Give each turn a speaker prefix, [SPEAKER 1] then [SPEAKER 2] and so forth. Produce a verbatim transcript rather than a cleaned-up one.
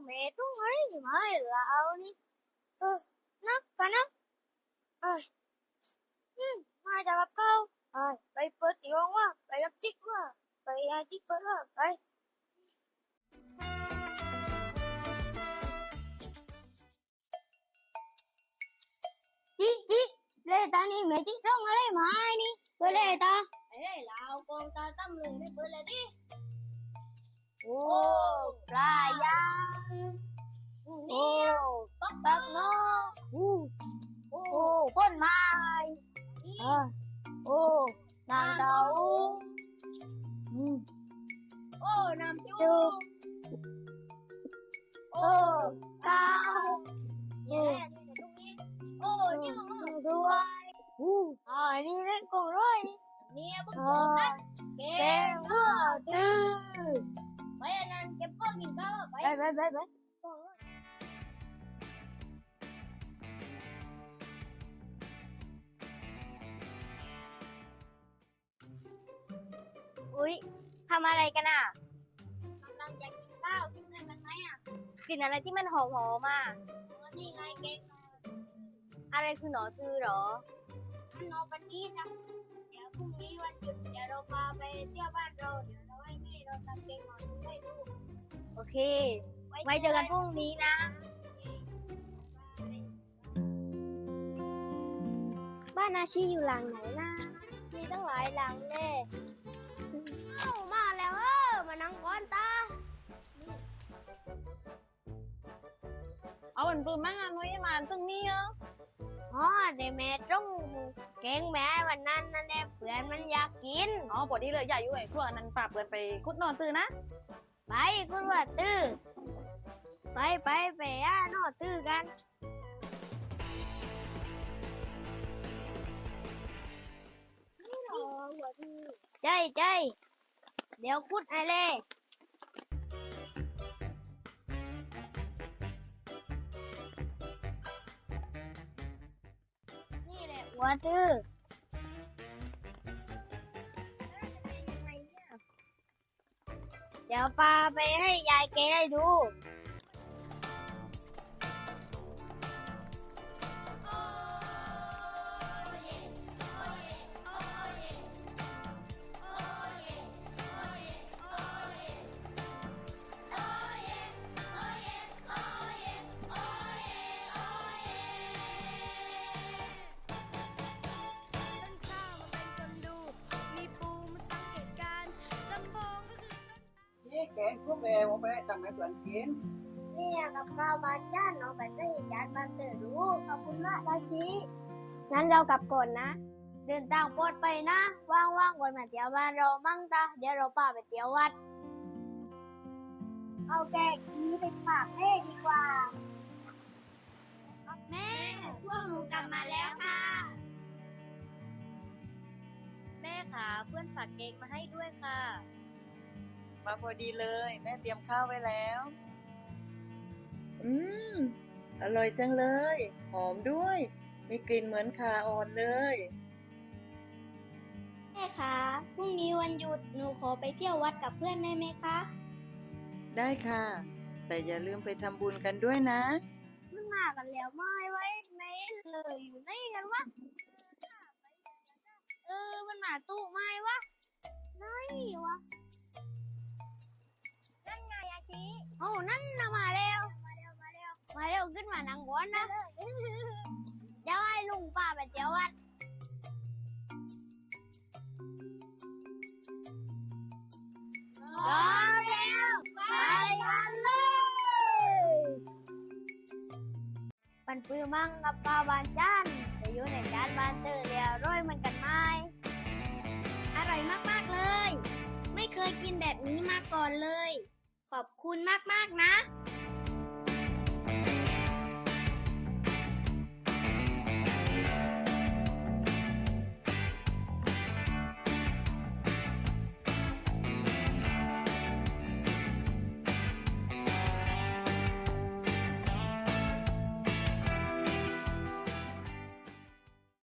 [SPEAKER 1] แม่ตรงไหนมาให้เรานี่เออนักกันนะเอ้ยอืมมาจากกับเขาเอ้ยไปเปิดที่ห้องว่าไปกับจิ๊กว่าไปอาจิ๊กเปิดว่าไปจิ๊กจิ๊กเลตานี่แม่จิ๊กร้องอะไรมาไอ้นี่เปิดเลยตาไอ้เรากองตาตั้มเลยไม่เปิดเลยดิโอ้ปลายางโอ้ปักปักเนาะโอ้โอ้ก้นไม้เออโอ้น้ำเต้าอืมโอ้น้ำจุ๊บโอ้ข้าวเนี่ยตรงนี้โอ้เนี่ยด้วยอู้อ่านี่เล่นกงร้อยนี่เนี่ยพวกผมนั่นเก่งเลือดตื้อไปอันนั้นเก็บพ่อกินข้าวไปไปไปไปอุ๊ยทำอะไรกันอ่ะกำลังจะกินข้าวกินอะไรกันไหมอ่ะกินอะไรที่มันหอมหอมอ่ะนี่ไงเก่งอะไรคือหนอตือหรอหนอปันนี้จ้ะเดี๋ยวพรุ่งนี้วันหยุดเดี๋ยวเราพาไปเที่ยวบ้านเราเดี๋ยวเราให้แม่เราทำเก่งหนอตือให้ดูโอเคไว้เจอกันพรุ่งนี้นะบ้านอาชีอยู่หลังไหนนะมีตั้งหลายหลังเลยเอ้ามาแล้วเออมานั่งก้อนตา
[SPEAKER 2] เอาวันปืนมางานไว้มาตึงนี่เออ
[SPEAKER 1] อ๋อเดี๋ยวแม่ต้องเก่งแม่วันนั้นนั่นแหละเพื่อนมันอยากกิน
[SPEAKER 2] อ๋อปอดีเลยใหญ่อยู่ไอ้พวกนั้นปราบเปินไปคุดนอนตื่นนะ
[SPEAKER 1] ไปคุณว่าตื้อไปไปไปอ่ะนอตื้อกันใจใจเดี๋ยวคุดไอเล่นี่แหละหัวตื้อเดี๋ยวปาไปให้ยายแกให้ดู
[SPEAKER 3] นี่แกงพวกแกผมไปทำให้เพื่อนกิน
[SPEAKER 1] เนี่ยกับข้าวบ้านย่านเอาไปให้ยายบ้านเตอร์ดูขอบคุณมากราชีงั้นเรากลับก่อนนะเดินทางปลอดภัยนะว่างๆไว้มาเที่ยวบ้านเรามั่งตาเดี๋ยวเราพาไปเที่ยววัดเอาแกงนี้ไปฝากแม่ดีกว่าแม่พวกหนูกลับมาแล้วค่ะแม่ค่ะเพื่อนฝากเค้กมาให้ด้วยค่ะ
[SPEAKER 2] มาพอดีเลยแม่เตรียมข้าวไว้แล้วอืมอร่อยจังเลยหอมด้วยมีกลิ่นเหมือนข่าอ่อนเลย
[SPEAKER 1] แม่คะพรุ่งนี้วันหยุดหนูขอไปเที่ยววัดกับเพื่อนได้ไหมคะ
[SPEAKER 2] ได้ค่ะแต่อย่าลืมไปทำบุญกันด้วยนะ
[SPEAKER 1] มันมากันแล้วไม่ไว้ไหนเลยอยู่ไหนกันวะเออมันมาตู้ไม้วะไหนวะนั่นไงอาชีโอ้นั่นนะมาเร็วมาเร็วมาเร็วมาเร็วขึ้นมานั่งก้อนนะเดี๋ยวให้ลุงป้าไปเที่ยววัดพร้อมแล้วไปกันเลยปันปื้อมั่งกับปลาบานจานจะอยู่ในจานบานเตอร์เรียวร้อยมันกันไหมอร่อยมากๆเลยไม่เคยกินแบบนี้มาก่อนเลยขอบคุณมากๆนะ